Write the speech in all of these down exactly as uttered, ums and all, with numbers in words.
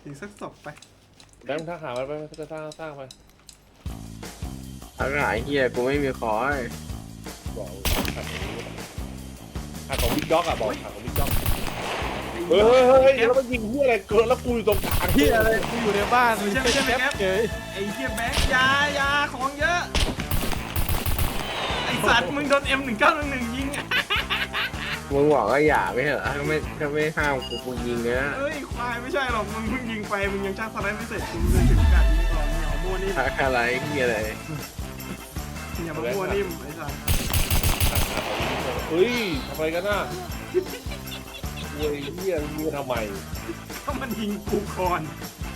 อีกสักศพไปแบงค์ถ้าหามันไปจะสร้างสร้างไปถ้าหายเฮียกูไม่มีคอยบอกขาดของขาดของบิ๊กด็อกอะบอกขาดของบิ๊กด็อกเฮ้ยเฮ้ยเฮ้ยแล้วมันยิงเพื่ออะไรเกิดแล้วกูอยู่ตรงกลางเฮียอะไรกูอยู่ในบ้านไม่ใช่ไม่ใช่ไม่แก๊ปเฉยไอ้เหี้ยแบงค์ยายาของเยอะไอ้สัตว์มึงโดน เอ็ม หนึ่งเก้าหนึ่งหนึ่งยิงมึงบอกว่าอย่าไม่เหรอถ้าไม่ถ้าไม่ห้ามกูกูยิงเนี้ยเอ้ยควายไม่ใช่หรอกมึงเพิ่งยิงไปมึงยังช่างสไลด์ไม่เสร็จมึงเลยถึงการยิงก่อนมึงอย่ามามั่วนิ่มทักอะไรเฮียอะไรอย่ามามั่วนิ่มไอ้สัตว์เฮ้ยทำอะไรกันน่ะเฮ้ยเฮียมึงทำไมถ้ามันยิงกูก่อน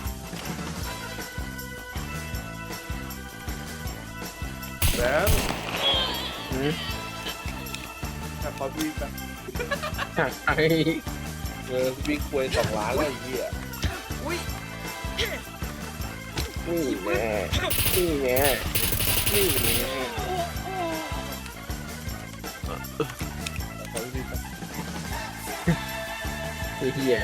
แบงค์หืมถ้าเขาพี่แบบทักไอ้เออพี่ควยสองล้านแล้วไอ้เหี้ยอุ้ยนี่แน่นี่แน่นี่แน่เขาพี่แบบไอ้เฮีย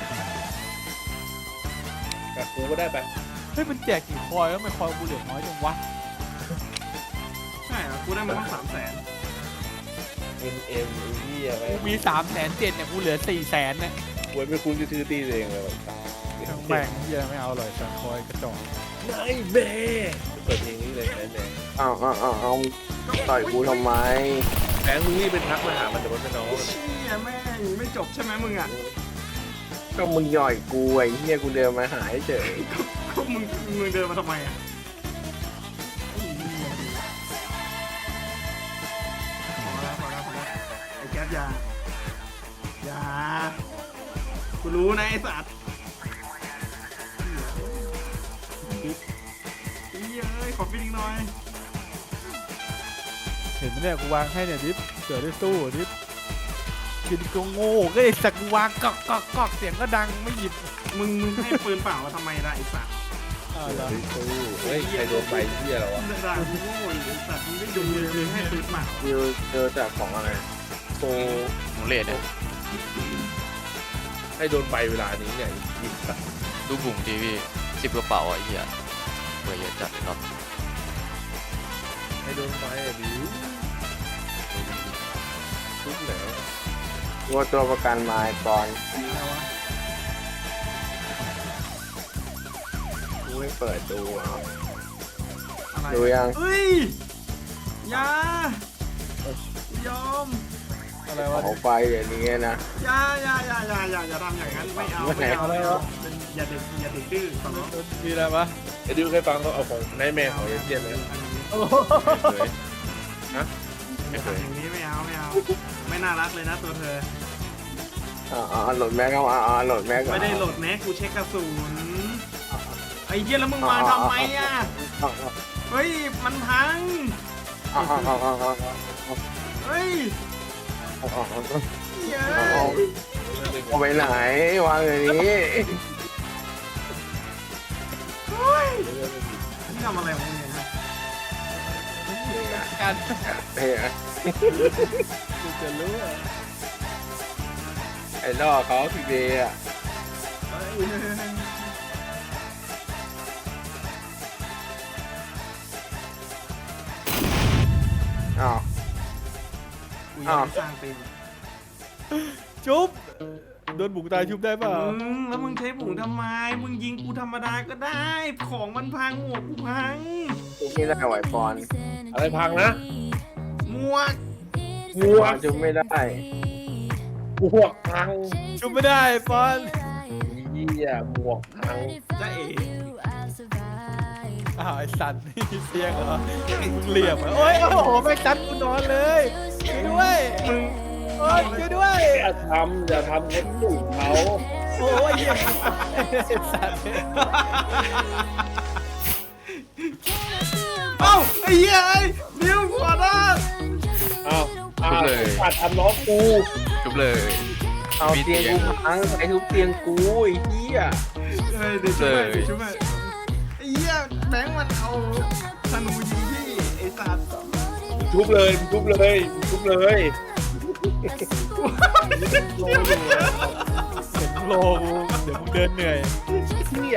แบบกูก็ได้ไปเฮ้ยมันแจกกี่คอยแล้วทำไมคอยกูเหลือน้อยจังวะใช่เหรอกูได้มาตั้งสามแสนเอ็มเอ็มไอ้เหี้ยไปกูมีสามแสนเจ็ดเนี่ยกูเหลือสี่แสนเนี่ยควยไม่คุ้นจะซื้อตีเองเลยทั้งแบ่งเฮียไม่เอาเลยแต่คอยกระจอกนายแม่เปิดเพลงนี้เลยแม่แม่เอาเอาเอาเอาต่อยกูทำไมแบงค์มึงนี่เป็นทักมาหามันแต่ว่าเป็นน้องเชี่ยแม่งไม่จบใช่ไหมมึงอ่ะก็มึงย่อยกูไอ้เฮียกูเดินมาหายเฉยก็มึงมึงเดินมาทำไมอ่ะพอแล้วพอแล้วพอแล้วไอ้แก๊สยาอยากูรู้นะไอ้สัตว์เฮ้ยขอฟิลลิ่งหน่อยเห็นไหมเนี่ยกูวางให้เนี่ยดิฟเกิดได้สู้ดิฟกินก็โง่ก็ไอ้สักกูวางกอกกอกกอกเสียงก็ดังไม่หยิบมึงมึงให้ปืนเปล่ามาทำไมล่ะไอ้สัตว์อ่าเฮ้แล้วยเฮ้ยใครโดนไปเหี้ยแล้ววะด่ากูโง่ไอ้สัตว์มึงได้ดูเลยมึงให้ปืนเปล่าเจอเจอจากของอะไรโตหนูเลดเนี่ยให้โดนไปเวลานี้เนี่ยยิงแบบดูบุ๋งทีพี่สิบกระเป๋าอ่ะไอ้เหี้ยเบอร์เยอะจัดเลยเนาะให้โดนไปอ่ะบิวทุกแล้วว่าตัวประกันมาก่อนอะไรวะกูไม่เปิดดูเอาอะไรดูยังเฮ้ยอยายอมอะไรวะเอาไปอย่างนี้นะอยาอยาอยาอยาอยาอย่าทำอย่างนั้นไม่เอาไม่เอาไม่เอาเป็นอย่าเด็กอย่าเด็กดื้อขอร้องมีอะไรปะไอ้ดิวเคยฟังเขาเอาของนายแม่ของเอเจียนไหมเคยฮะไม่เคทำยอย่างนี้ไม่เอาไม่เอาไม่น่ารักเลยนะตัวเธออ่าอ่าโหลดแม็กเอาอ่าอ่าโหลดแม็กไม่ได้โหลดแม็กกูเช็คกระสุนไอ้เหี้ยแล้วมึงวางทำไมอ่ะอ่าเฮ้ยมันพังอ่าอ่าอ่าอ่าอ่าเฮ้ยอ่าอ่าเย้เอาไปไหนวางอย่างนี้เฮ้ยนี่ทำอะไรของมึงเนี่ยฮะการเฮ้ยกูจะรู้อะไอ้ล่อเขาพี่เบย์อ่ะเฮ้ยอ้าวกูยังไม่สร้างเป็นจุ๊บโดนบุกตายชุบได้เปล่ามึงแล้วมึงใช้ผงทำไม มึงยิงกูธรรมดาก็ได้ ของมันพังหมวกกูพังกูไม่ได้ไหวปอนอะไรพังนะหมวกหมวกจุไม่ได้หมวกพังชุบไม่ได้ปอนเหี้ยหมวกพังจะเอ๋อ้าวไอ้สัตว์นี่เสียงเหรอมึงเหลี่ยมเหรอโอ้ยโอ้โหไม่จัดกูนอนเลยช่วยด้วยมึงโอ้ยช่วยด้วยอย่าทำอย่าทำคนอื่นเขาโอ้ยเหี้ยไอ้สัตว์เอ้าไอ้เหี้ยไอ้นิวขอโทษอ้าวอ้าวปัดทำน้องกูชุบเลยเอาเตียงกูพังไอ้ทุบเตียงกูไอ้เหี้ยเฮ้ยเดี๋ยวช่วยเดี๋ยวช่วยไอ้เหี้ยแบงค์มันเอาธนูยิงพี่ไอ้สัตว์ทุบเลยทุบเลยทุบเลยเห็นโลกูเดี๋ยวมึงเดินเหนื่อยเหี้ย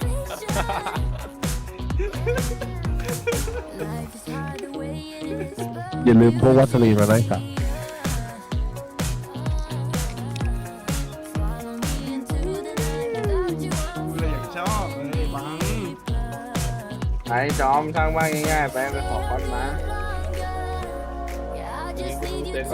อย่าลืมพวกวัสลีนมาด้วยครับกูเลยอยากชอบเลยบังไอ้จอมสร้างบ้านง่ายๆไปไปขอคอนมาเต้นแบบ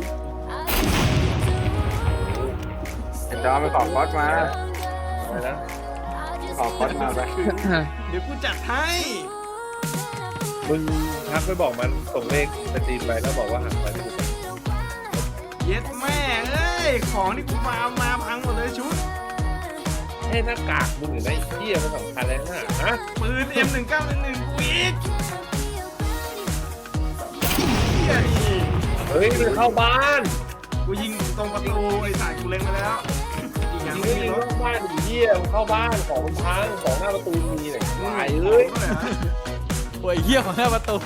ไอ้จอมไปขอคอนมาอะไรนะขอคอนมาไปเดี๋ยวกูจัดให้มึงทักไปบอกมันส่งเลขสตรีมไปแล้วบอกว่าหักไปไม่ถูกเย็ดแม่เอ้ยของที่กูมาเอามาพังหมดเลยชุดเฮ้ยหน้ากากมึงหรือไอ้เหี้ยมันสำคัญแล้วนะฮะปืน เอ็ม หนึ่งเก้าหนึ่งหนึ่ง กูอีกเฮียนี่เฮ้ยมันเข้าบ้านกูยิงตรงประตูไอ้สายกูเล็งไปแล้วอีกอย่างยิงไม่ไม่มียิงรถเข้าบ้านดิเหี้ยมันเข้าบ้านของมันพังของหน้าประตูมีเนี่ยตายเลเอ้ยโอ้ยเหี้ยของหน้าประตู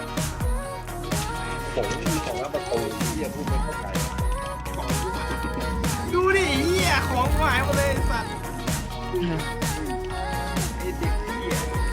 ผมไม่มีของหน้าประตูเหี้ยพูดไม่เข้าใจดูดิเฮียของกูหายหมดเลยไอ้สัตว์